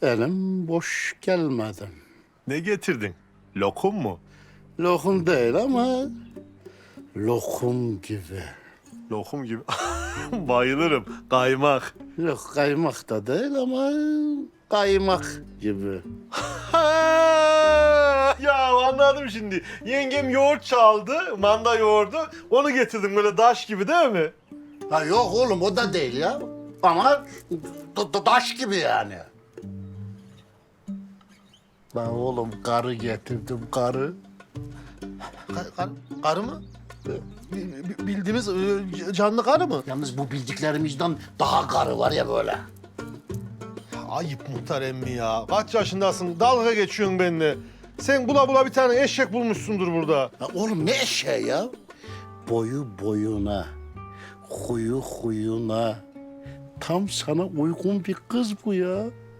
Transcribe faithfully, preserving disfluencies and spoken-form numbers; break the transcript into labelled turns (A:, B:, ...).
A: Elim boş gelmedim.
B: Ne getirdin? Lokum mu?
A: Lokum değil ama lokum gibi.
B: Lokum gibi. Bayılırım. Kaymak.
A: Yok kaymak da değil ama kaymak gibi.
B: Ha, ya anladım şimdi. Yengem yoğurt çaldı, manda yoğurdu. Onu getirdim böyle daş gibi değil mi?
A: Ha yok oğlum o da değil ya. Ama da- da- taş gibi yani. Ben oğlum karı getirdim karı.
C: Ka- kar, karı mı? Bi- bi- Bildiğimiz e, canlı karı mı?
A: Yalnız bu bildiklerimizden daha karı var ya böyle.
B: Ayıp muhtar emmi ya. Kaç yaşındasın? Dalga geçiyorsun benimle. Sen bula bula bir tane eşek bulmuşsundur burada.
A: Ya oğlum ne eşeği ya? Boyu boyuna, huyu huyuna. Tam sana uygun bir kız bu ya.